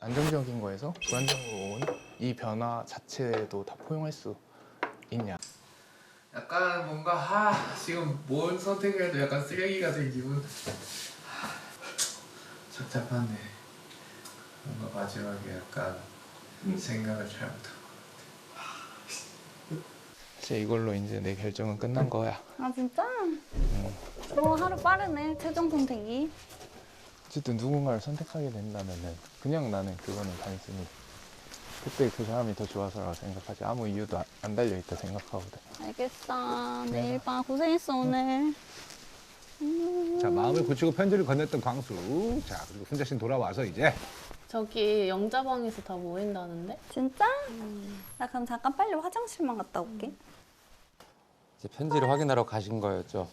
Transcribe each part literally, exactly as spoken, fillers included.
안정적인 거에서 불안정으로 온 이 변화 자체도 다 포용할 수 있냐. 약간 뭔가 하 지금 뭘 선택해도 약간 쓰레기가 된 기분. 하, 착잡하네. 뭔가 마지막에 약간 음. 생각을 잘못한 것 같아. 사실 이걸로 이제 내 결정은 끝난 거야. 아 진짜? 음. 어 하루 빠르네 최종 선택이. 어쨌든 누군가를 선택하게 된다면은 그냥 나는 그거는 단순히 그때 그 사람이 더 좋아서라고 생각하지 아무 이유도 안, 안 달려있다 생각하거든. 알겠어. 내일 봐. 고생했어 오늘. 음. 자, 마음을 굳히고 편지를 건넸던 광수. 자, 그리고 순자 씨는 돌아와서 이제 저기 영자방에서 다 모인다는데? 진짜? 나 그럼 잠깐 빨리 화장실만 갔다 올게. 이제 편지를 확인하러 가신 거였죠.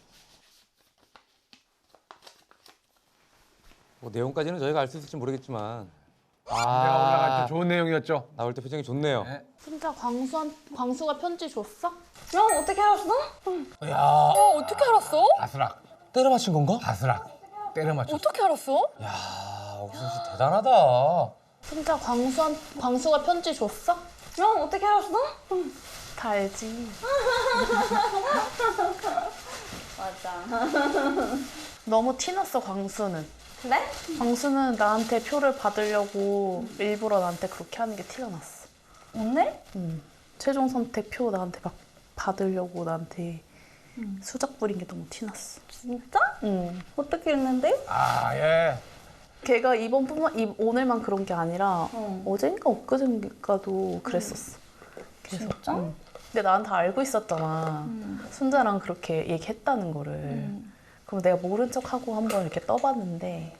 뭐 내용까지는 저희가 알 수 있을지 모르겠지만 내가 올라갈 때 좋은 내용이었죠. 나올 때 표정이 좋네요. 네. 진짜 광수한, 광수가 편지 줬어? 야 어떻게 알았어? 야, 어, 어떻게 알았어? 바스락, 때려 맞힌 건가? 바스락. 때려 맞췄어. 어떻게 알았어? 야, 옥순 씨 대단하다. 진짜 광수한, 광수가 편지 줬어? 야 어떻게 알았어? 다 알지. 맞아. 너무 티났어, 광수는. 그래? 광수는 나한테 표를 받으려고 일부러 나한테 그렇게 하는 게 티가 났어. 오늘? 응. 최종 선택 표 나한테 막 받으려고 나한테 수작 부린 게 너무 티났어. 진짜? 응. 어떻게 했는데? 아, 예. 걔가 이번뿐만 이, 오늘만 그런 게 아니라 어. 어젠가 엊그젠가도 그랬었어. 계속. 진짜? 응. 근데 난 다 알고 있었잖아. 음. 순자랑 그렇게 얘기했다는 거를. 음. 그럼 내가 모른 척하고 한번 이렇게 떠봤는데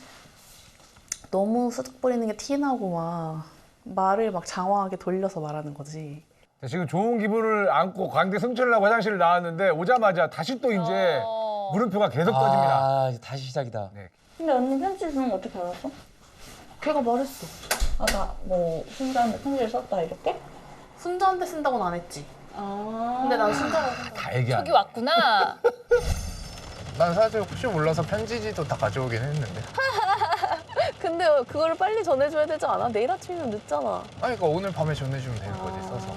너무 수작 부리는 게 티나고 막 말을 막 장황하게 돌려서 말하는 거지. 자, 지금 좋은 기분을 안고 광대 승천을 하고 화장실을 나왔는데 오자마자 다시 또 이제 어. 물음표가 계속 떠집니다. 아, 이제 다시 시작이다. 네. 근데 언니 편지 주는 거 어떻게 알았어? 걔가 말했어. 아 나 뭐 순자한테 편지를 썼다 이렇게? 순자한테 쓴다고는 안 했지. 아. 근데 난 순자라고 생각. 다 얘기하네. 저기 왔구나. 난 사실 혹시 몰라서 편지지도 다 가져오긴 했는데. 근데 그거를 빨리 전해줘야 되지 않아? 내일 아침이면 늦잖아. 아니 그러니까 오늘 밤에 전해주면 되는 거지 써서.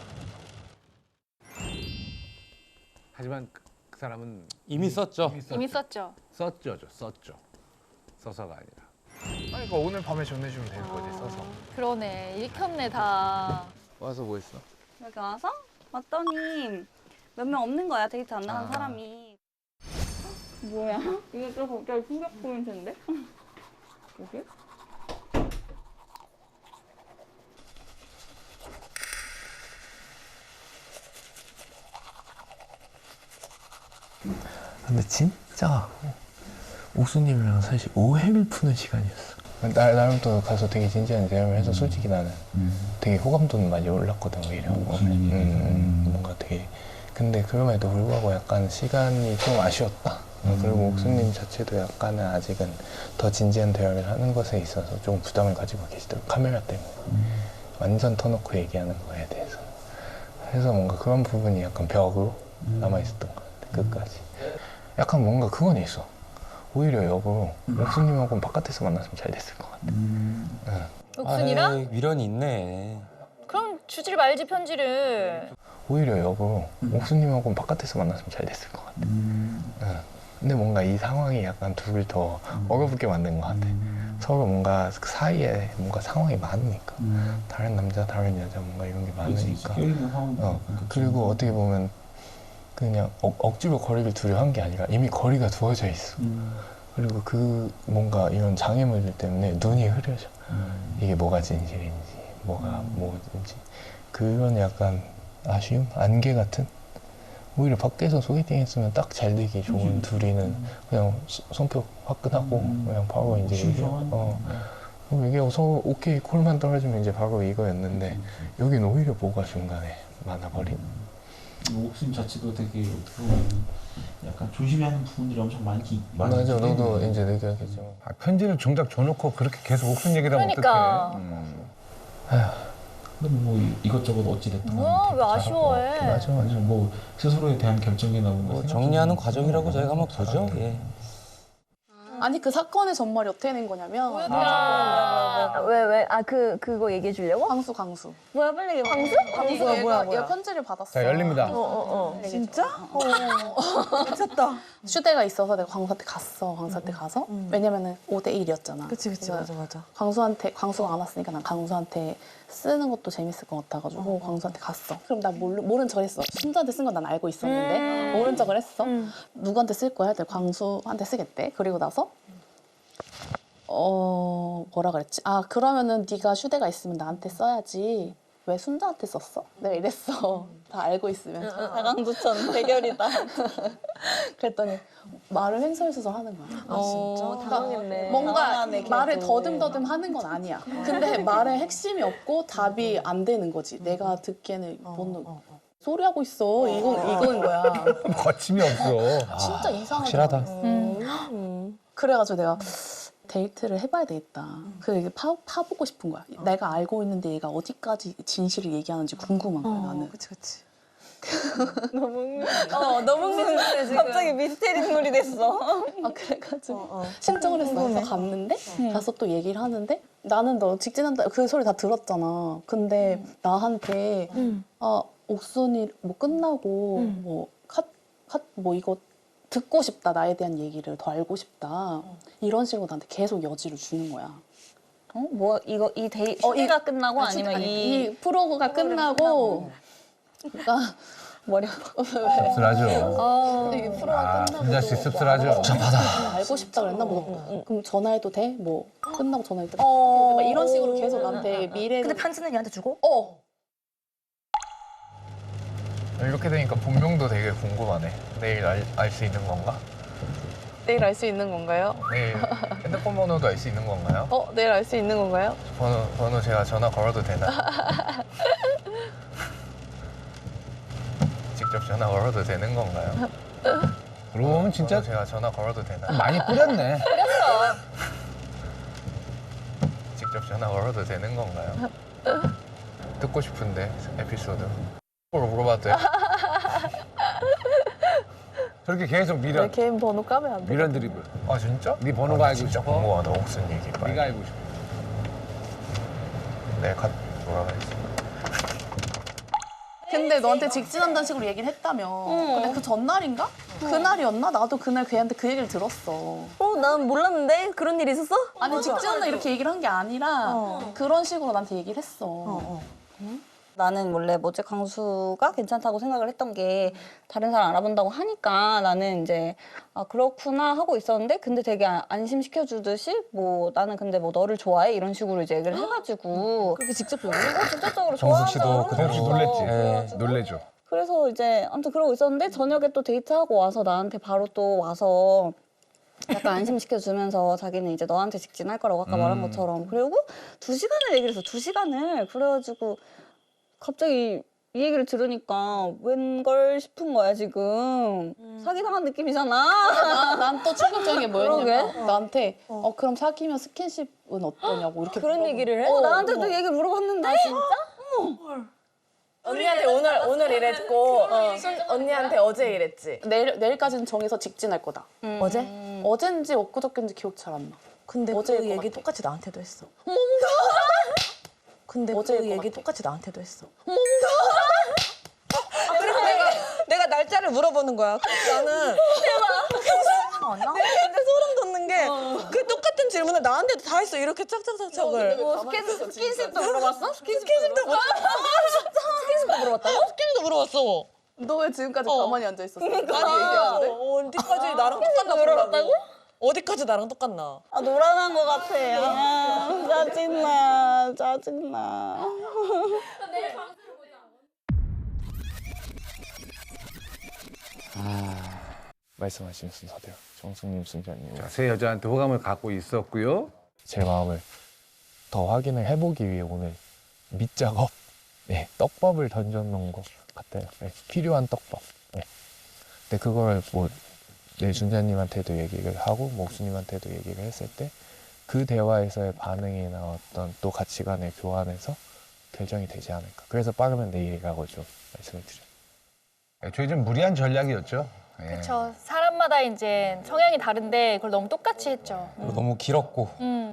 하지만 그, 그 사람은 이미 썼죠. 이미 썼죠. 이미 썼죠. 썼죠, 저, 썼죠. 써서가 아니라. 아니 그러니까 오늘 밤에 전해주면 되는 거지 써서. 그러네. 읽혔네 다. 와서 뭐 했어? 여기 와서 왔더니 몇 명 없는 거야 데이트 안 나간 아. 사람이. 뭐야? 이게 또 갑자기 충격 포인트인데? 여기? 근데 진짜 옥수님이랑 사실 오해를 푸는 시간이었어. 나, 나름 또 가서 되게 진지한 대화를 해서 솔직히 나는 되게 호감도는 많이 올랐거든 오히려. 음, 음, 뭔가 되게 근데 그럼에도 불구하고 약간 시간이 좀 아쉬웠다. 그리고 옥수님 자체도 약간은 아직은 더 진지한 대화를 하는 것에 있어서 좀 부담을 가지고 계시더라고 카메라 때문에. 완전 터놓고 얘기하는 거에 대해서. 그래서 뭔가 그런 부분이 약간 벽으로 남아있었던 것 같아 끝까지. 약간 뭔가 그건 있어. 오히려 여보, 옥수님하고는 바깥에서 만났으면 잘 됐을 것 같아. 응. 옥순이랑? 아이, 미련이 있네. 그럼 주질 말지 편지를. 오히려 여보, 옥수님하고는 바깥에서 만났으면 잘 됐을 것 같아. 응. 근데 뭔가 이 상황이 약간 둘을 더 어렵게 만든 것 같아. 서로 뭔가 그 사이에 뭔가 상황이 많으니까. 다른 남자, 다른 여자 뭔가 이런 게 많으니까. 어. 그리고 어떻게 보면 그냥 억, 억지로 거리를 두려 한 게 아니라 이미 거리가 두어져 있어. 음. 그리고 그 뭔가 이런 장애물들 때문에 눈이 흐려져. 음. 이게 뭐가 진실인지, 뭐가 음. 뭐인지. 그런 약간 아쉬움? 안개 같은? 오히려 밖에서 소개팅 했으면 딱 잘 되기 좋은 음. 둘이는 음. 그냥 소, 성격 화끈하고 음. 그냥 바로 이제 얘기, 어. 그럼 얘기하고 서로 오케이 콜만 떨어지면 이제 바로 이거였는데 여긴 오히려 뭐가 중간에 많아버린. 옥수님 자체도 되게 어떻게 보면 약간 조심해야 하는 부분들이 엄청 많기 많이 맞아, 있기 너도 때문에. 이제 느꼈겠지만. 아, 편지를 정작 줘놓고 그렇게 계속 옥순 얘기를 하면 그러니까. 어떡해. 음. 근데 뭐 이- 이것저것 어찌됐든 뭐야, 왜 아쉬워해? 맞아, 맞아. 뭐 스스로에 대한 결정이나 뭐 뭐 정리하는 과정이라고 저희가 한번 보죠. 예. 아니 그 사건의 전말이 어떻게 된 거냐면 뭐였더라? 아, 왜 왜? 아 그 그거 얘기해 주려고? 광수 광수. 뭐야 빨리 얘기해. 광수? 광수 얘가, 얘가 편지를 받았어. 자, 열립니다. 진짜? 미쳤다. 휴대가 있어서 내가 광수한테 갔어. 광수한테 가서 왜냐면은 오 대 일이었잖아. 그치 그치 맞아 맞아. 광수한테 광수가 안 왔으니까 난 광수한테 쓰는 것도 재밌을 것 같아가지고 광수한테 갔어. 그럼 나 모르, 모른 척 했어. 순자한테 쓴 건 난 알고 있었는데 모른 척을 했어. 누구한테 쓸 거야? 했더니 광수한테 쓰겠대. 그리고 나서 어 뭐라 그랬지? 아 그러면은 네가 휴대가 있으면 나한테 써야지. 왜 순자한테 썼어? 내가 이랬어. 다 알고 있으면서. 다강두천 대결이다. 그랬더니 말을 횡설수설 하는 거야. 아 진짜? 당황했네. 뭔가 당황하네, 말을 걔도. 더듬더듬 하는 건 아니야. 근데 말에 핵심이 없고 답이 안 되는 거지. 내가 듣기에는 뭔 소리 하고 있어. 이건 이거인 거야. 거침이 없어. 진짜 이상하다. 확실하다. 음. 그래가지고 내가 데이트를 해봐야 되겠다. 그래 이게 파 파보고 싶은 거야. 내가 알고 있는데 얘가 어디까지 진실을 얘기하는지 궁금한 거야 나는. 그치 그치. 어 너무 궁금해 지금. 갑자기 미스테리물이 됐어. 아 그래가지고 신청을 했어. 그래서 갔는데 가서 또 얘기를 하는데 나는 너 직진한다 그 소리 다 들었잖아. 근데 나한테 아 옥순이 뭐 끝나고 뭐컷컷뭐 이거 듣고 싶다 나에 대한 얘기를 더 알고 싶다 이런 식으로 나한테 계속 여지를 주는 거야. 어? 뭐 이거 이 데이 어, 이- 휴대가 끝나고 아, 아니면 아니, 이, 이 프로가 끝나고 그러니까 머리 아파. 씁쓸하죠. 이게 프로가 아, 끝나고 순자 씨 씁쓸하죠. 알고 싶다 그랬나 뭐 그럼 전화해도 돼? 뭐 끝나고 전화해도 돼? 어. 막 이런 식으로 계속 나한테 미래를 근데 편지는 얘한테 주고? 어 이렇게 되니까 본명도 되게 궁금하네. 내일 알 수 있는 건가? 내일 알 수 있는 건가요? 내일 핸드폰 번호도 알 수 있는 건가요? 어 내일 알 수 있는 건가요? 번호, 번호 제가 전화 걸어도 되나요? 직접 전화 걸어도 되는 건가요? 그러고 보면 진짜 번호 제가 전화 걸어도 되나요? 많이 뿌렸네. 직접 전화 걸어도 되는 건가요? 듣고 싶은데 에피소드 뭘 물어봐도 돼요? 저렇게 계속 내 미련, 개인 번호 까면 안 돼. 미련 드리블. 아 진짜? 네 번호가 아, 알고 진짜 싶어? 궁금하다. 옥순 얘기 빨리. 네가 알고 싶어. 네, 가, 뭐라 그랬지? 근데 너한테 직진한다는 식으로 얘기를 했다며. 근데 그 전날인가? 그날이었나? 나도 그날 걔한테 그 얘기를 들었어. 어, 난 몰랐는데 그런 일이 있었어? 아니 직진한다 이렇게 얘기를 한 게 아니라 그런 식으로 나한테 얘기를 했어. 나는 원래 뭐지 강수가 괜찮다고 생각을 했던 게 다른 사람 알아본다고 하니까 나는 이제 아 그렇구나 하고 있었는데 근데 되게 아- 안심시켜 주듯이 뭐 나는 근데 뭐 너를 좋아해 이런 식으로 이제 얘기를 해가지고 그렇게 직접적으로? 어, 직접적으로 정숙 씨도 좋아한다 그대로 혹시 그러는 놀랬지? 거야. 네. 놀래죠. 그래서 이제 아무튼 그러고 있었는데 저녁에 또 데이트하고 와서 나한테 바로 또 와서 약간 안심시켜주면서 자기는 이제 너한테 직진할 거라고 아까 말한 것처럼 그리고 두 시간을 얘기를 했어. 두 시간을 그래가지고 갑자기 이 얘기를 들으니까 웬걸 싶은 거야 지금 사기당한 느낌이잖아. 난 또 충격적인 게 뭐였냐면 그러게. 나한테 어 그럼 사귀면 스킨십은 어떠냐고 이렇게 그런 물어보고. 얘기를 해? 어, 나한테도 어. 얘기를 물어봤는데 언니한테 오늘 오늘 이랬고 순 언니한테 어제 이랬지. 내일 내일까지는 정해서 직진할 거다. 어제? 어젠지 엊그저께인지 기억 잘 안 나. 근데 어제일 그 것 얘기 같아. 똑같이 나한테도 했어. 근데 어제일 그 것 얘기 같아. 똑같이 나한테도 했어. 그래서 내가 내가 날짜를 물어보는 거야. 그래서 나는 근데 소름 돋는 게 그 똑같은 질문을 나한테도 다 했어. 이렇게 짝짝짝짝을. 뭐 스킨십, 스킨십도 물어봤어? 스킨십도 물어. 스킨십도 물어봤다고? 스킨십도 물어봤어. 너 왜 지금까지 어. 가만히 앉아 있었어? 아니 얘기하는데? 어디까지 나랑 똑같나 보려고. 어디까지 나랑 똑같나? 아 노란한 것 같아. 아, 짜증나, 짜증나. 말씀하신 순서대로 정숙님, 순자님 자, 새 여자한테 호감을 갖고 있었고요. 제 마음을 더 확인을 해보기 위해 오늘 밑작업, 네, 떡밥을 던져놓은 것 같아요. 네, 필요한 떡밥. 네. 근데 그걸 뭐 내 순자님한테도 얘기를 하고 목수님한테도 얘기를 했을 때 그 대화에서의 반응이나 어떤 또 가치관의 교환에서 결정이 되지 않을까. 그래서 빠르면 내일이라고 좀 말씀을 드려요. 애초에 좀 무리한 전략이었죠. 예. 그렇죠. 사람마다 이제 성향이 다른데 그걸 너무 똑같이 했죠. 그리고 너무 길었고 음.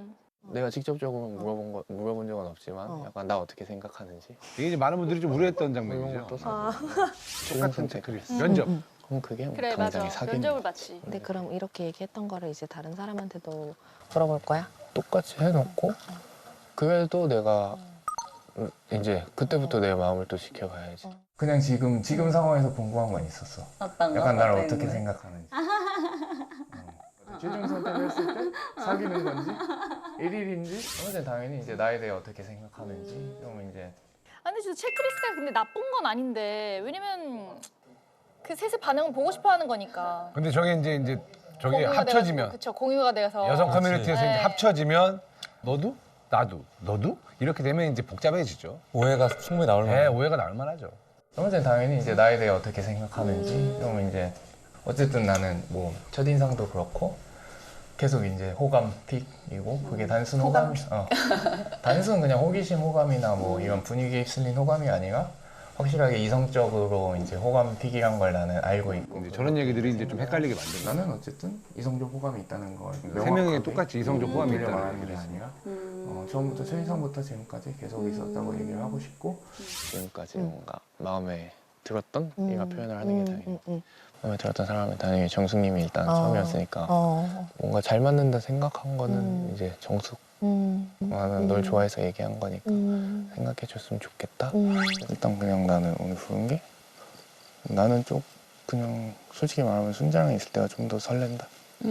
내가 직접적으로 물어본 거 물어본 적은 없지만 어. 약간 나 어떻게 생각하는지 이게 이제 많은 분들이 좀 우려했던 이런 장면이죠. 것도 아. 똑같은 체크리스트. 면접. 그럼 그게 뭐 그래 맞아. 당장에 사귀는 면접을 거지. 받지. 근데 그럼 이렇게 얘기했던 거를 이제 다른 사람한테도 물어볼 거야? 똑같이 해놓고 그래도 내가 음, 이제 그때부터 내 마음을 또 지켜봐야지. 그냥 지금 지금 상황에서 궁금한 건 있었어. 어떤 거? 약간 나를 어떤 어떻게 거? 생각하는지. 어. 최종 선택을 했을 때 사귀는 건지 일일인지 어제 당연히 이제 나에 대해 어떻게 생각하는지 좀 이제 아, 근데 진짜 체크리스트가 근데 나쁜 건 아닌데 왜냐면 그 셋의 반응을 보고 싶어하는 거니까. 근데 저게 이제 이제 저게 공유가 합쳐지면 그렇죠. 공유가 돼서 여성 커뮤니티에서 네. 이제 합쳐지면 너도 나도 너도 이렇게 되면 이제 복잡해지죠. 오해가 충분히 나올 네, 만해. 오해가 나올 만하죠. 어제 당연히 이제 나에 대해 어떻게 생각하는지 좀 이제 어쨌든 나는 뭐 첫인상도 그렇고 계속 이제 호감 픽이고 그게 단순 호감, 어. 단순 그냥 호기심 호감이나 뭐 이런 분위기에 휩쓸린 호감이 아니라 확실하게 이성적으로 이제 호감 픽이란 걸 나는 알고 있고 근데 저런 얘기들이 이제 좀 헷갈리게 만든다. 나는 어쨌든 이성적 호감이 있다는 걸 세 명이 명확하게 똑같이 이성적 호감이 돌려 있다는 말하는 게 얘기를 아니라 어, 처음부터 첫인상부터 지금까지 계속 있었다고 얘기를 하고 싶고 지금까지 뭔가 마음에 들었던 얘가 표현을 하는 게 당연히 응, 마음에 들었던 사람은 당연히 정숙님이 일단 처음이었으니까 어. 뭔가 잘 맞는다 생각한 거는 음. 이제 정숙 음. 나는 널 좋아해서 얘기한 거니까 음. 생각해줬으면 좋겠다. 음. 일단 그냥 나는 오늘 부른 게 나는 좀 그냥 솔직히 말하면 순자랑 있을 때가 좀 더 설렌다.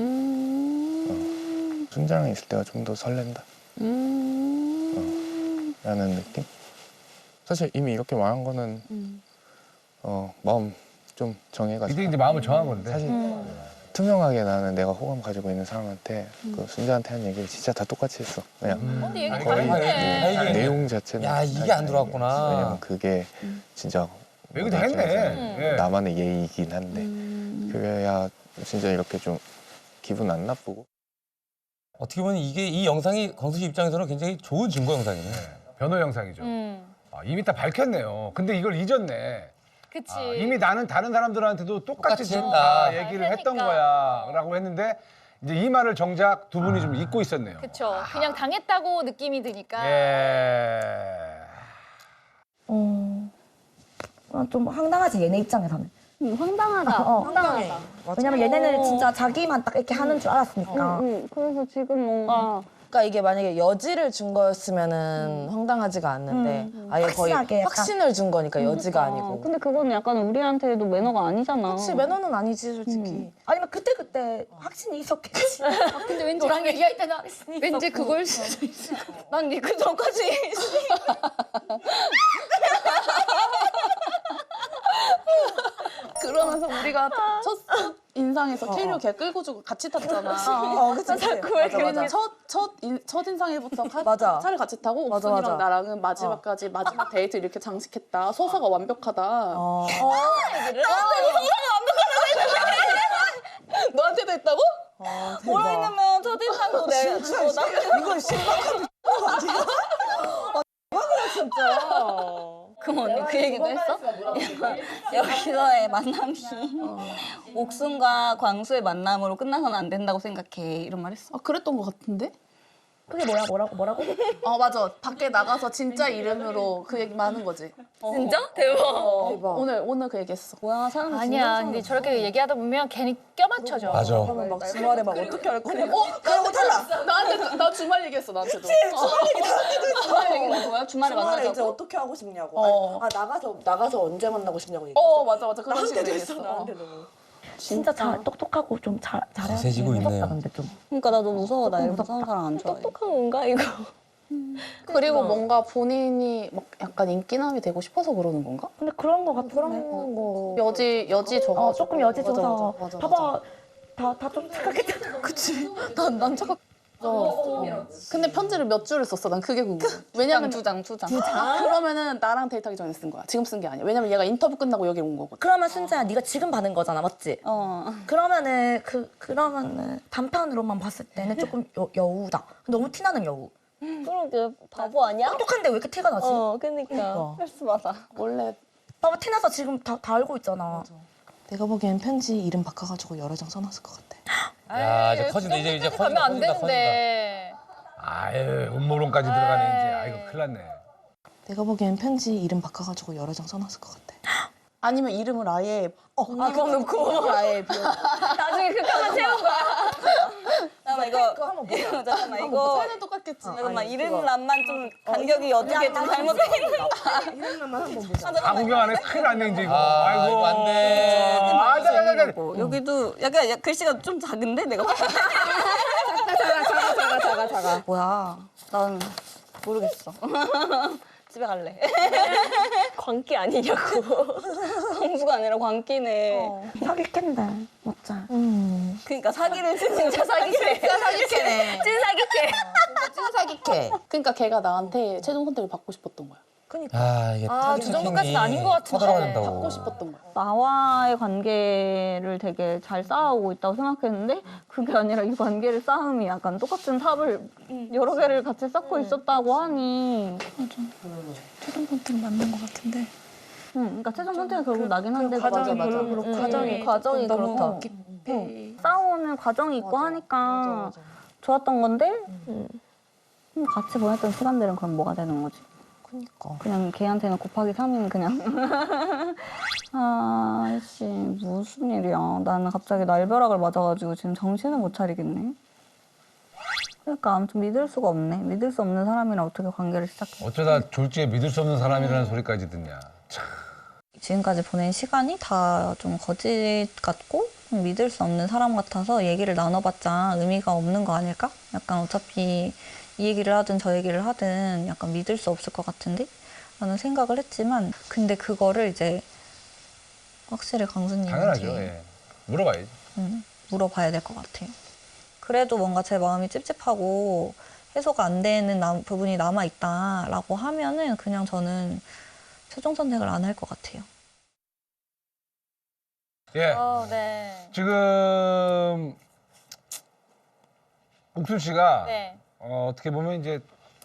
음. 순자랑 있을 때가 좀 더 설렌다. 음. 라는 느낌? 사실 이미 이렇게 말한 거는 음. 어, 마음 좀 정해가지고 이때 이제 마음을 정한 건데. 사실 투명하게 나는 내가 호감 가지고 있는 사람한테 그 순자한테 한 얘기를 진짜 다 똑같이 했어. 그냥 어, 근데 얘기 다 거의 했네. 아, 이게- 내용 자체는 야, 이게 안 들어왔구나. 왜냐면 그게 진짜 얘기 다 뭐라 해야 되지? 했네. 예. 나만의 예의이긴 한데 음. 그래야 진짜 이렇게 좀 기분 안 나쁘고 어떻게 보면 이게 이 영상이 광수 씨 입장에서는 굉장히 좋은 증거 영상이네. 변호 영상이죠. 음. 아, 이미 다 밝혔네요. 근데 이걸 잊었네. 그치. 아, 이미 나는 다른 사람들한테도 똑같이 똑같이 지금 했다. 다 잘 얘기를 했던 되니까. 거야 라고 했는데 이제 이 말을 정작 두 분이 좀 잊고 있었네요. 그쵸. 그냥 당했다고 느낌이 드니까. 예. 어, 아, 좀 황당하지 얘네 입장에서는. 음, 황당하다. 어. 황당하다. 왜냐면 얘네는 진짜 자기만 딱 이렇게 하는 줄 알았으니까. 응, 그래서 지금 뭔가 그러니까 이게 만약에 여지를 준 거였으면은 황당하지가 않는데 아예 거의 확실하게 약간- 확신을 준 거니까 여지가 어, 아니고. 근데 그거는 약간 우리한테도 매너가 아니잖아. 그렇지 매너는 아니지 솔직히. 음. 아니면 그때 그때 확신이 있었겠지. 근데 왠지 너랑 얘기할 때는 확신이 왠지 있었고. 그걸 수도 있어. 난그 전까지 그러면서 우리가 첫 인상에서 캐리어 걔 끌고 주고 같이 탔잖아. 어, 그치, 그치. 맞아, 맞아. 첫, 첫, 인, 첫 인상에부터 가, 맞아. 차를 같이 타고 맞아, 옥순이랑 맞아. 나랑은 마지막까지 마지막 데이트 이렇게 장식했다. 소사가 완벽하다. 어. 너한테도 했다고? 아, 대박. 뭐라 했냐면 첫인상도 내가 주고 나 이건 심각한 그럼 언니 그 얘기도 했어? 여기서의 만남이 옥순과 광수의 만남으로 끝나서는 안 된다고 생각해 이런 말 했어? 아, 그랬던 것 같은데? 그게 뭐야 뭐라고 뭐라고? 어, 맞아. 밖에 나가서 진짜 이름으로 그 얘기만 하는 거지. 진짜? 대박. 대박. 오늘, 오늘 그 얘기했어. 뭐야 사람 아니야. 근데 저렇게 얘기하다 보면 괜히 껴맞춰져. 맞아. 그러면 막 주말에 막 어떻게 할 거냐. 어? 그러고 탈락! 나한테, 나 주말 얘기했어, 나한테도. 주말 얘기는 뭐야? 주말에 주말에 이제 만나자고? 어떻게 하고 싶냐고. 어. 아 나가서 나가서 언제 만나고 싶냐고 얘기했어. 어, 맞아, 맞아. 그런 식으로 나한테도 얘기했어. 했어. 어. 나한테도. 진짜 잘 똑똑하고 좀 잘 잘해. 거세지고 있네요. 근데 좀. 그러니까 나 너무 무서워. 나 이런 무서운 사람 안 좋아해. 똑똑한 건가 이거? 그리고 뭔가 본인이 막 약간 인기남이 되고 싶어서 그러는 건가? 근데 그런 거 같은데. 그런 거. 여지, 여지 줘가지고. 어 조금 여지 맞아, 줘서. 맞아, 맞아, 봐봐 다 다 좀 착각했잖아. 그치. 난, 난 착각. 어. 근데 편지를 몇 줄을 썼어? 난 그게 궁금해. 왜냐면 두 장, 두 장. 아, 그러면은 나랑 데이트하기 전에 쓴 거야. 지금 쓴 게 아니야. 왜냐면 얘가 인터뷰 끝나고 여기 온 거거든. 그러면 순자야 네가 지금 받은 거잖아, 맞지? 어. 그러면은 그 그러면은 단편으로만 봤을 때는 조금 여, 여우다. 너무 티나는 여우. 그러게 바보 아니야? 똑똑한데 왜 이렇게 티가 나지? 어, 그니까. 스트레스 받아. 원래 봐봐 티나서 지금 다, 다 알고 있잖아. 내가 보기엔 편지 이름 바꿔가지고 여러 장 써놨을 것 같아. 야, 에이, 이제 커진다. 이제 이제 그 정도까지 가면 안 커진다, 커진다, 되는데. 아유 음모론까지 들어가네 이제. 아이고 큰일 났네. 내가 보기엔 편지 이름 바꿔가지고 여러 장 써놨을 것 같아. 아니면 이름을 아예 아, 그거 놓고. 아예 비워. 나중에 그 칸만 채운 거야. 잠깐만 이거 그거 한번 보자. 잠깐만 한번 이거 보자. 똑같겠지. 잠깐만 이름란만 좀 간격이 어떻게 좀 잘못돼 있는 이름만 한번 보자. 다 구경 안 해. 큰일 났네 이제 이거. 아, 아이고. 이거 안 돼. 아, 자, 자, 자, 자. 거. 여기도 약간 야- 글씨가 좀 작은데 내가 봤을 때. 작아 작아 작아 작아 작아. 뭐야? 난 모르겠어. 집에 갈래. 광기 아니냐고. 공부가 아니라 광기네. 사귈 텐데 맞자. 그러니까 사기를 진짜 사기캐. 진짜 사기캐네. 찐 사기캐. 찐 사기캐. 그러니까 걔가 나한테 최종 선택을 받고 싶었던 거야. 아 이게 아, 그 정도까지는 아닌 것 같은데. 서들어야 된다고. 받고 싶었던 거야. 나와의 관계를 되게 잘 쌓아오고 있다고 생각했는데 그게 아니라 이 관계를 쌓음이 약간 똑같은 탑을 여러 개를 같이 쌓고 있었다고 하니 최종 선택 맞는 것 같은데. 응, 그러니까 최종 선택은 결국 나긴 한데 과정이 맞아, 맞아. 별로 그렇고 응, 과정이 응, 과정이 조금 너무 그렇다. 깊이. 싸우는 과정이 있고 하니까 좋았던 건데 음, 같이 보냈던 시간들은 그럼 뭐가 되는 거지? 그니까. 그냥 걔한테는 곱하기 삼인 그냥 아씨 무슨 일이야. 나는 갑자기 날벼락을 맞아가지고 지금 정신을 못 차리겠네. 그러니까 아무튼 믿을 수가 없네. 믿을 수 없는 사람이랑 어떻게 관계를 시작해. 어쩌다 졸지에 믿을 수 없는 사람이라는 소리까지 듣냐. 참. 지금까지 보낸 시간이 다 좀 거짓 같고 좀 믿을 수 없는 사람 같아서 얘기를 나눠봤자 의미가 없는 거 아닐까? 약간 어차피 이 얘기를 하든 저 얘기를 하든 약간 믿을 수 없을 것 같은데? 라는 생각을 했지만 근데 그거를 이제 확실히 강수님한테 당연하죠. 예. 물어봐야지. 음, 물어봐야 될 것 같아요. 그래도 뭔가 제 마음이 찝찝하고 해소가 안 되는 남- 부분이 남아있다라고 하면은 그냥 저는 최종 선택을 안 할 것 같아요. 예. 어, 네. 지금 옥순 씨가 네. 어, 어떻게 보면 이제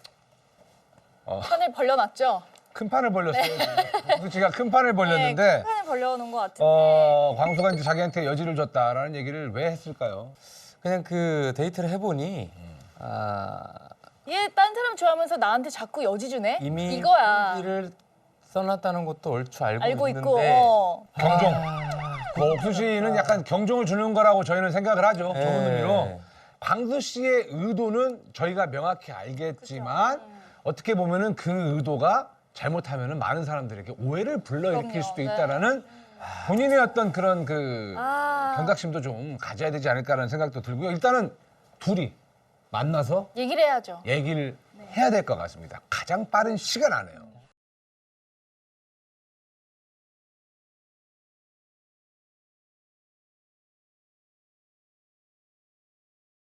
판을 벌려놨죠? 큰 판을 벌렸어요. 옥순 씨가 큰 판을 네, 벌렸는데 큰 판을 벌려놓은 것 같은데. 어, 광수가 이제 자기한테 여지를 줬다라는 얘기를 왜 했을까요? 그냥 그 데이트를 해보니 아 얘 딴 사람 좋아하면서 나한테 자꾸 여지 주네? 이미 이거야. 일을 써놨다는 것도 얼추 알고, 알고 있는데 있고. 어. 경종. 아, 그 옥순 씨는 약간 경종을 주는 거라고 저희는 생각을 하죠. 네. 좋은 의미로. 광수 씨의 의도는 저희가 명확히 알겠지만 어떻게 보면은 그 의도가 잘못하면은 많은 사람들에게 오해를 불러일으킬 그럼요. 수도 네. 있다라는 본인의 어떤 그런 그 아. 경각심도 좀 가져야 되지 않을까라는 생각도 들고요. 일단은 둘이 만나서 얘기를 해야죠. 얘기를 해야 될 것 같습니다. 가장 빠른 시간 안에요.